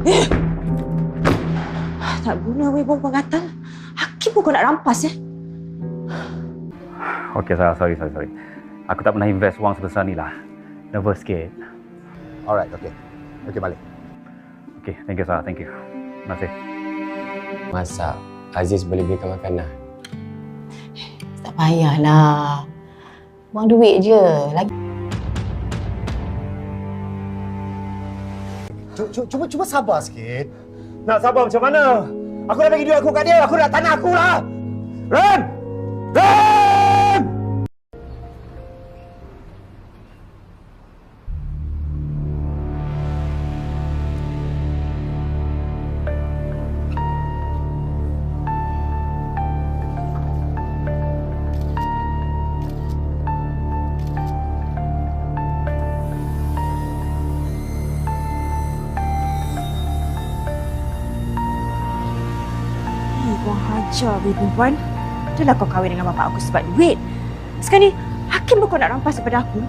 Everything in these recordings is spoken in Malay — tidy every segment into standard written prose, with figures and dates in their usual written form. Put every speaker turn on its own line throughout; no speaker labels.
Tak guna weh perempuan gatal. Hakim pun kau nak rampas
Okey, sorry. Aku tak pernah invest wang sebesar ni lah. Nervous sikit.
Alright, okey. Okey, balik.
Okey, thank you, Sarah. Thank you. Terima kasih.
Masak. Aziz boleh belikan makanan.
Tak payahlah. Buang duit je. Lagi
Cuba sabar sikit. Nak sabar macam mana? Aku dah bagi duit aku kat dia. Aku nak tanah aku lah. Ren!
Kau hajar weh perempuan. Dah lah kau kahwin dengan bapak aku sebab duit. Sekarang ni, Hakim pun kau nak rampas daripada aku.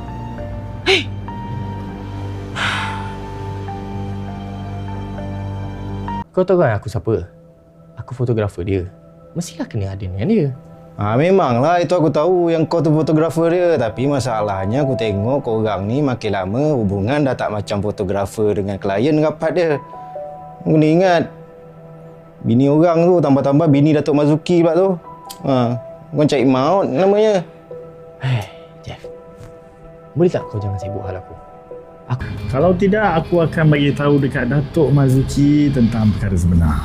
Kau tahu kan aku siapa? Aku fotografer dia. Mestilah kena ada dengan dia.
Memanglah itu aku tahu yang kau tu fotografer dia. Tapi masalahnya aku tengok korang ni makin lama hubungan dah tak macam fotografer dengan klien rapat dia. Kau kena ingat, bini orang tu tambah-tambah bini Datuk Mazuki pula tu. Kau cari maut namanya.
Jeff. Boleh tak kau jangan sibuk hal aku?
Kalau tidak, aku akan bagi tahu dekat Datuk Mazuki tentang perkara sebenar.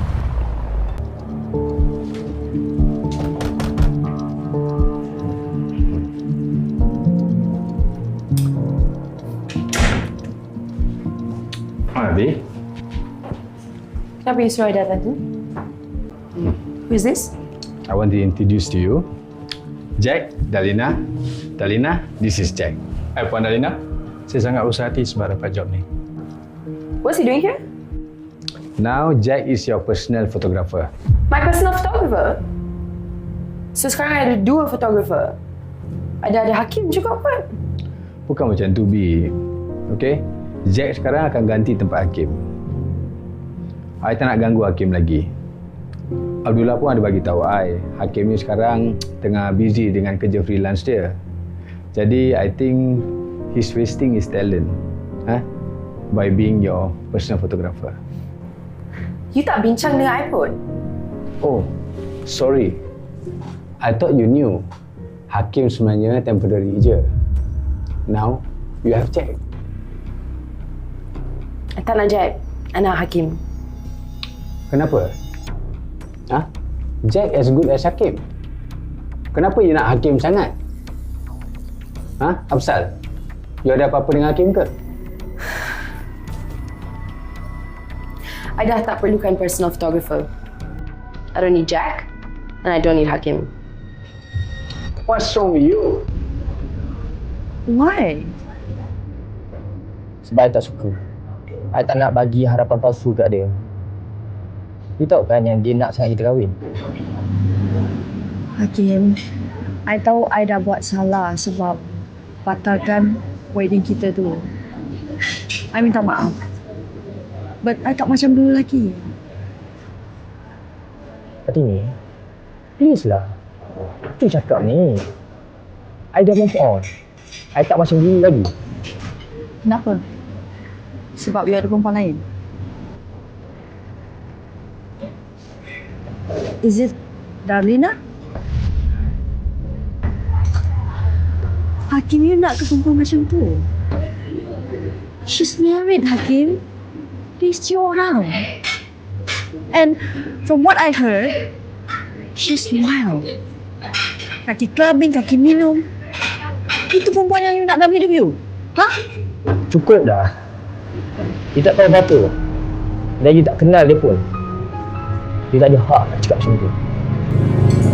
Abi,
Kenapa you suruh I datang tu? Who is this?
I want to introduce to you Jack, Dalina. Dalina, this is Jack. Puan Dalina, saya sangat usaha hati sebab dapat job ni.
What's he doing here?
Now, Jack is your personal photographer.
My personal photographer? So sekarang I ada 2 photographer. Ada Hakim juga pun.
Bukan macam tu, Bi. Okay? Jack sekarang akan ganti tempat Hakim. I tak nak ganggu Hakim lagi. Abdullah pun ada bagi tahu I, Hakim ni sekarang tengah busy dengan kerja freelance dia. Jadi, I think he's wasting his talent by being your personal photographer.
You tak bincang dengan I pun?
Oh, sorry. I thought you knew. Hakim sebenarnya temporary je. Now, you have Jack.
I tak nak Jack. I nak Hakim.
Kenapa? Jack as good as Hakim. Kenapa you nak Hakim sangat? Afsal? You ada apa-apa dengan Hakim ke?
I dah tak perlukan personal photographer. I don't need Jack and I don't need Hakim.
What's wrong with you?
Why?
Sebab I tak suka. I tak nak bagi harapan palsu kat dia. You tahu kan yang dia nak sangat kita kahwin?
Hakim, I tahu I dah buat salah sebab batalkan wedding kita tu. I minta maaf. But I tak macam dulu lagi.
Kartini, please lah. Apa you cakap ni? I dah move on. I tak macam dulu lagi.
Kenapa? Sebab you ada perempuan lain? Is it Darlina? Hakim, you nak ke perempuan macam tu? She's married, Hakim. Dia isteri orang. And from what I heard, she's wild. Kaki clubbing, kaki minum. Itu perempuan yang you nak dalam hidup you?
Cukup dah. You tak tahu apa-apa. Dan you tak kenal dia pun. You tak ada hak nak cakap macam tu.